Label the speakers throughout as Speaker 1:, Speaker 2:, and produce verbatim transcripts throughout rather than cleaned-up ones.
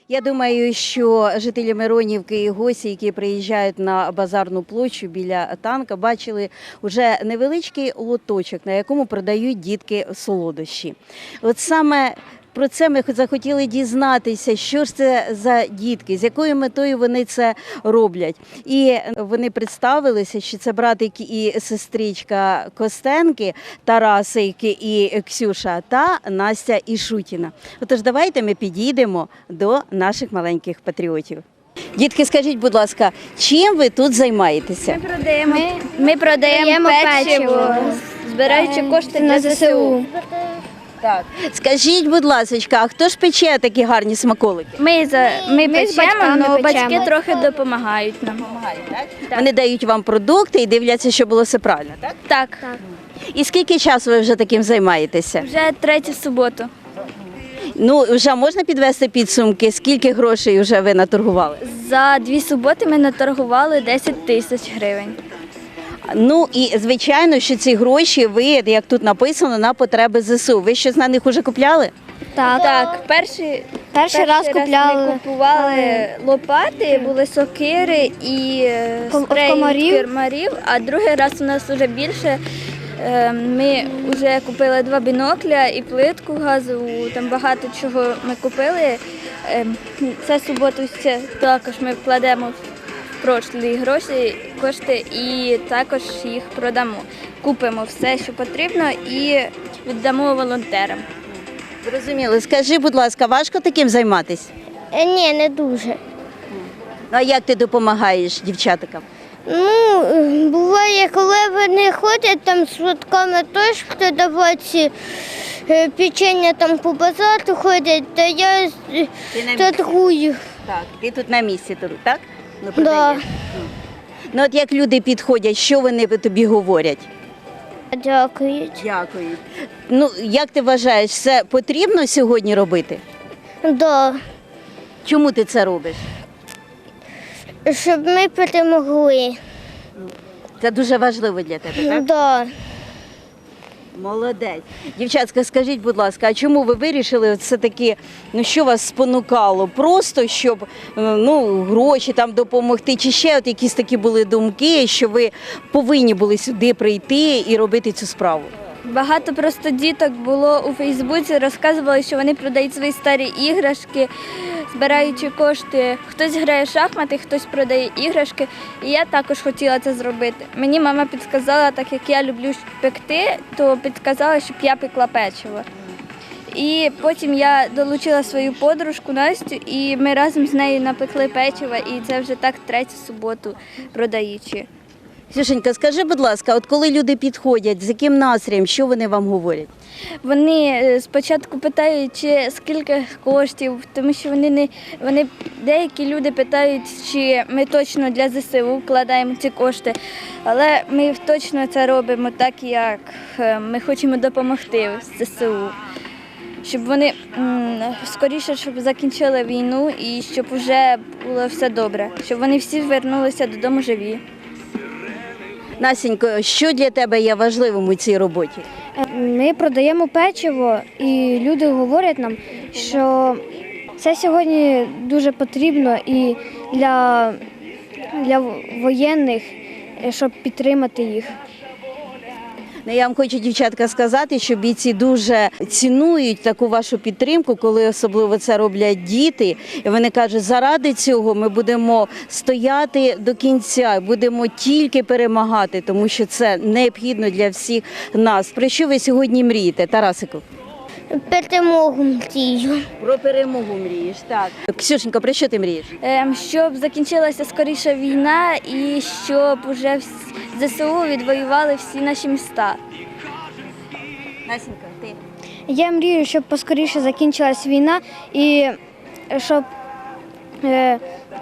Speaker 1: Я думаю, що жителі Миронівки і гості, які приїжджають на базарну площу біля танка, бачили вже невеличкий лоточок, на якому продають дітки солодощі. От саме про це ми захотіли дізнатися, що ж це за дітки, з якою метою вони це роблять. І вони представилися, що це братик і сестричка Костенки, Тарасики і Ксюша та Настя Ішутіна. Отож, давайте ми підійдемо до наших маленьких патріотів. Дітки, скажіть, будь ласка, чим ви тут займаєтеся?
Speaker 2: Ми продаємо, ми, ми продаємо печиво, збираючи кошти на ЗСУ.
Speaker 1: Так. Скажіть, будь ласка, а хто ж пече такі гарні смаколики?
Speaker 2: Ми, за, ми,
Speaker 3: Ми з
Speaker 2: печемо,
Speaker 3: батьками
Speaker 2: але батьки
Speaker 3: печемо.
Speaker 2: трохи допомагають нам.
Speaker 1: Так. Вони дають вам продукти і дивляться, щоб було все правильно, так?
Speaker 2: Так,
Speaker 1: І скільки часу ви вже таким займаєтеся?
Speaker 2: вже третю суботу.
Speaker 1: Ну, вже можна підвести підсумки, скільки грошей вже ви наторгували?
Speaker 2: За дві суботи ми наторгували десять тисяч гривень.
Speaker 1: Ну і звичайно, що ці гроші ви, як тут написано, на потреби ЗСУ. Ви щось на них вже купляли?
Speaker 2: Так, так перший,
Speaker 3: Перший раз купляли.
Speaker 2: ми купували лопати, були сокири і е,
Speaker 3: Ком-
Speaker 2: спрей
Speaker 3: комарів.
Speaker 2: від комарів, а другий раз у нас вже більше. Е, Ми вже купили два бінокля і плитку газову, там багато чого ми купили. Е, Це суботу ще також ми вкладемо в прошлі гроші, кошти і також їх продамо. Купимо все, що потрібно, і віддамо волонтерам.
Speaker 1: Зрозуміло. Скажи, будь ласка, важко таким займатися?
Speaker 3: Е, Ні, не дуже.
Speaker 1: Ну, а як ти допомагаєш дівчаткам?
Speaker 3: Ну, е, буває, коли вони ходять там з швидками, теж хто давати е, печення там по базару ходять, то я е,
Speaker 1: Ти на місці?
Speaker 3: торгую.
Speaker 1: Так, ти тут на місці, тут, так? Ну,
Speaker 3: Да.
Speaker 1: продаєш. Ну, от як люди підходять, що вони тобі говорять?
Speaker 3: Дякують.
Speaker 1: Дякую. Ну, як ти вважаєш, це потрібно сьогодні робити?
Speaker 3: Да.
Speaker 1: Чому ти це робиш?
Speaker 3: Щоб ми перемогли.
Speaker 1: Це дуже важливо для тебе, так?
Speaker 3: Да.
Speaker 1: Молодець. Дівчатка, скажіть, будь ласка, а чому ви вирішили все-таки, ну що вас спонукало? Просто, щоб е, ну, гроші там допомогти, чи ще от якісь такі були думки, що ви повинні були сюди прийти і робити цю справу?
Speaker 2: Багато просто діток було у Фейсбуці, розказували, що вони продають свої старі іграшки, збираючи кошти. Хтось грає в шахмати, хтось продає іграшки. І я також хотіла це зробити. Мені мама підказала, так як я люблю пекти, то підказала, щоб я пекла печиво. І потім я долучила свою подружку Настю, і ми разом з нею напекли печиво, і це вже так третю суботу продаючи.
Speaker 1: Ксюшенька, скажи, будь ласка, от коли люди підходять, з яким настроєм, що вони вам говорять?
Speaker 2: Вони е, спочатку питають, чи скільки коштів, тому що вони не вони деякі люди питають, чи ми точно для ЗСУ вкладаємо ці кошти, але ми точно це робимо так, як е, ми хочемо допомогти ЗСУ, щоб вони м, скоріше щоб закінчили війну і щоб вже було все добре, щоб вони всі повернулися додому живі.
Speaker 1: Насінько, що для тебе є важливим у цій роботі?
Speaker 4: Ми продаємо печиво, і люди говорять нам, що це сьогодні дуже потрібно і для, для воєнних, щоб підтримати їх.
Speaker 1: Ну, я вам хочу, дівчатка, сказати, що бійці дуже цінують таку вашу підтримку, коли особливо це роблять діти. І вони кажуть, заради цього ми будемо стояти до кінця, будемо тільки перемагати, тому що це необхідно для всіх нас. Про що ви сьогодні мрієте, Тарасику?
Speaker 3: Перемогу мрію.
Speaker 1: Про перемогу мрієш, так. Ксюшенька, про що ти мрієш?
Speaker 2: Ем, Щоб закінчилася скоріше війна і щоб уже вс- ЗСУ відвоювали всі наші міста.
Speaker 1: Насінька, ти?
Speaker 4: Я мрію, щоб поскоріше закінчилась війна і щоб е,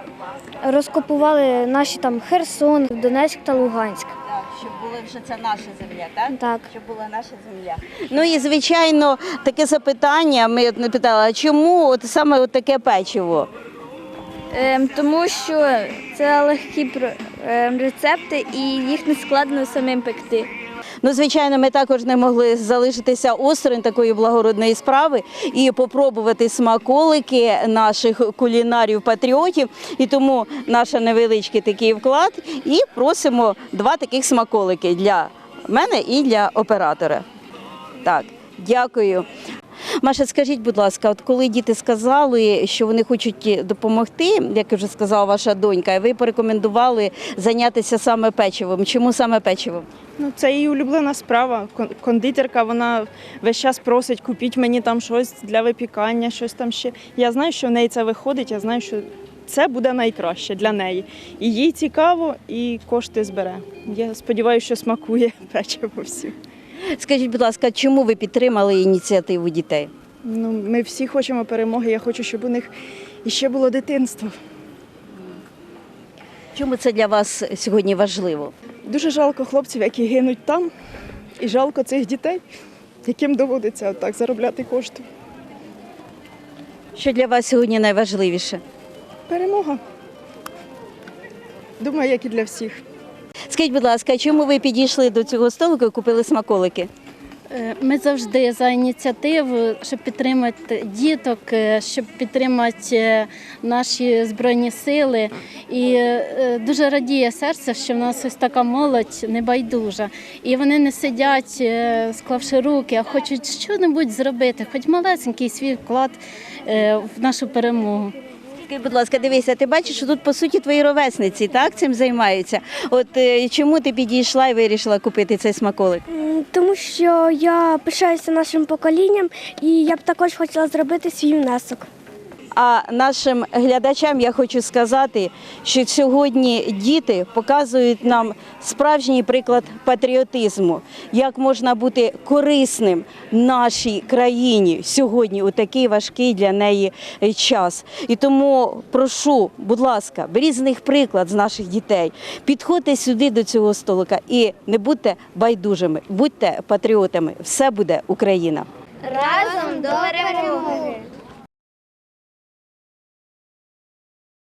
Speaker 4: розкопували наші там Херсон, Донецьк та Луганськ.
Speaker 1: Так, щоб була вже це наша земля, так?
Speaker 4: Так.
Speaker 1: Щоб була наша земля. Ну і, звичайно, таке запитання, ми от не питали, а чому от саме от таке печиво?
Speaker 2: Ем, Тому що це легкі про- ем, рецепти і їх не складно самим пекти.
Speaker 1: Ну, звичайно, ми також не могли залишитися осторонь такої благородної справи і попробувати смаколики наших кулінарів-патріотів. І тому наш невеличкий такий вклад. І просимо два таких смаколики для мене і для оператора. Так, дякую. Маша, скажіть, будь ласка, от коли діти сказали, що вони хочуть допомогти, як вже сказала ваша донька, ви порекомендували зайнятися саме печивом. Чому саме печивом?
Speaker 5: Ну, це її улюблена справа. Кон- Кондитерка, вона весь час просить, купіть мені там щось для випікання, щось там ще. Я знаю, що в неї це виходить, я знаю, що це буде найкраще для неї. І їй цікаво, і кошти збере. Я сподіваюся, що смакує печиво всім.
Speaker 1: Скажіть, будь ласка, чому ви підтримали ініціативу дітей?
Speaker 5: Ну, ми всі хочемо перемоги, я хочу, щоб у них іще було дитинство.
Speaker 1: Чому це для вас сьогодні важливо?
Speaker 5: Дуже жалко хлопців, які гинуть там, і жалко цих дітей, яким доводиться отак заробляти кошти.
Speaker 1: Що для вас сьогодні найважливіше?
Speaker 5: Перемога. Думаю, як і для всіх.
Speaker 1: Скажіть, будь ласка, чому ви підійшли до цього столику і купили смаколики?
Speaker 6: Е, Ми завжди за ініціативу, щоб підтримати діток, е, щоб підтримати е, наші Збройні сили. І е, дуже радіє серце, що в нас ось така молодь небайдужа. І вони не сидять, е, склавши руки, а хочуть щось зробити, хоч малесенький свій вклад е, в нашу перемогу.
Speaker 1: Скажіть, будь ласка, дивися, ти бачиш, що тут, по суті, твої ровесниці, так, цим займаються. От е, чому ти підійшла і вирішила купити цей смаколик?
Speaker 4: М, Тому що я пишаюся нашим поколінням і я б також хотіла зробити свій внесок.
Speaker 1: А нашим глядачам я хочу сказати, що сьогодні діти показують нам справжній приклад патріотизму, як можна бути корисним нашій країні сьогодні у такий важкий для неї час. І тому прошу, будь ласка, беріть з них приклад з наших дітей, підходьте сюди до цього столика і не будьте байдужими, будьте патріотами. Все буде Україна.
Speaker 3: Разом до перемоги!